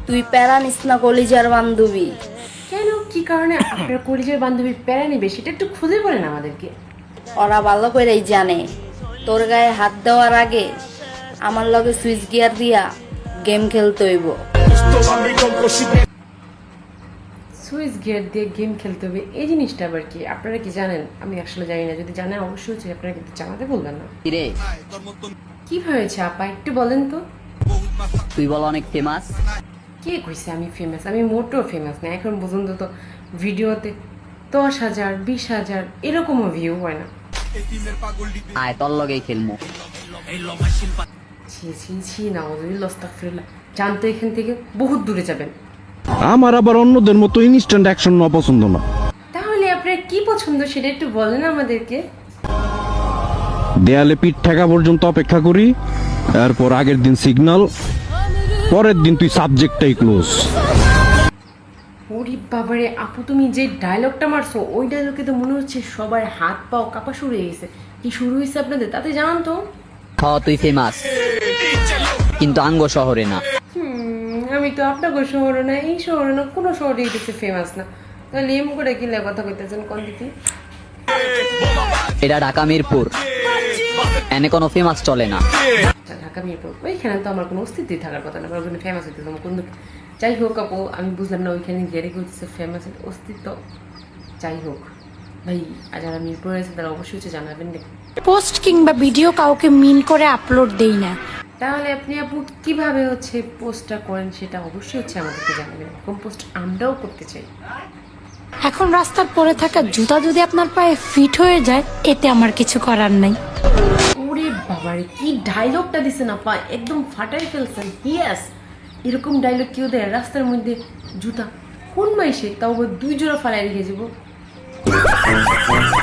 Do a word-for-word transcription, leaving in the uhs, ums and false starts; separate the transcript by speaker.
Speaker 1: তুই প্যারা নিস না কলিজার বান্ধবী।
Speaker 2: কেন, কি কারণে আপনার কলেজের বান্ধবী প্যারা নেবে সেটা একটু খুঁজে বলেন আমাদেরকে।
Speaker 1: ওরা ভালো করেই জানে তোর গায়ে হাত দেওয়ার আগে আমার লগে সুইচ গিয়ার দিয়া গেম খেলতে হইব।
Speaker 2: সুইচ গিয়ার দিয়ে গেম খেলতে হবে, এই জিনিসটা আবার কি? আপনারা কি জানেন? আমি আসলে জানি না, যদি জানেন অবশ্যই হচ্ছে আপনারা কিন্তু জানাতে বলবেন না।
Speaker 3: রে
Speaker 2: কি হয়েছে আপা, একটু বলেন তো।
Speaker 3: তুই বল অনেক ফেমাস।
Speaker 2: কে কইছে আমি ফেমাস? আমি মোটেও ফেমাস না। এখন পর্যন্ত তো ভিডিওতে দশ হাজার বিশ হাজার এরকমও ভিউ হয় না।
Speaker 3: আয় তোর লগেই খেলমু।
Speaker 2: ছি ছি ছি, নাউজুবিল্লাহ, আস্তাগফিরুল্লাহ। জানতো এখান থেকে বহুত দূরে যাবেন।
Speaker 4: আমার আবার অন্যদের মতো ইনস্ট্যান্ট অ্যাকশন না পছন্দ না।
Speaker 2: তাহলে আপনার কি পছন্দ সেটা একটু বলেন আমাদেরকে।
Speaker 4: দেয়ালে পিঠ ঠেকা পর্যন্ত অপেক্ষা করি, তারপর আগের দিন সিগন্যাল, পরের দিন তুই সাবজেক্টটাই ক্লোজ।
Speaker 2: ওরে বাবারে আপু, তুমি যে ডায়লগটা মারছো ওই ডায়লগে তো মনে হচ্ছে সবার হাত পাও কাঁপা শুরু হয়ে গেছে। কি শুরু হয়েছে আপনাদের তাতে জানান তো।
Speaker 3: হ তুই ফেমাস, কিন্তু আঙ্গ শহরে না।
Speaker 2: হুম, আমি তো আপনাকে শহরে না, এই শহরে না, কোনো শহরে গেছে ফেমাস না। তাহলে এম করে কিলে কথা কইতেছেন কোন দিকে?
Speaker 3: এটা ঢাকা মিরপুর, এনে কোনো ফেমাস চলে না।
Speaker 2: ঢাকা মিরপুর, ওইখানে তো আমার কোনো অস্তিত্বই থাকার কথা না, ওখানে ফেমাস হইতে আমার কোন। যাই হোক আপু, আমি বুঝলাম না ওইখানে গেড়ে করতেছে ফেমাসের অস্তিত্ব। যাই হোক ভাই, আর যারা মিরপুরে আছে তারা অবশ্যই হচ্ছে জানাবেন দেখুন।
Speaker 5: পোস্ট কিংবা ভিডিও কাউকে মিন করে আপলোড দেই না।
Speaker 2: তাহলে আপনি আপু কিভাবে হচ্ছে পোস্টটা করেন সেটা অবশ্যই হচ্ছে আমাদেরকে জানাবেন। এরকম পোস্ট আমরাও করতে চাই।
Speaker 5: এখন রাস্তার পরে থাকা জুতা যদি আপনার পায়ে ফিট হয়ে যায়, এতে আমার কিছু করার নাই।
Speaker 2: ওরে বাবারে, কি ডায়লগটা দিছেন আপা, একদম ফাটাই ফেলছেন। ইয়েস, এরকম ডায়লগ কেউ দেয় রাস্তার মধ্যে? জুতা কোন মাইসে, তাও আবার দুই জোড়া ফালাই রেখে যাবো।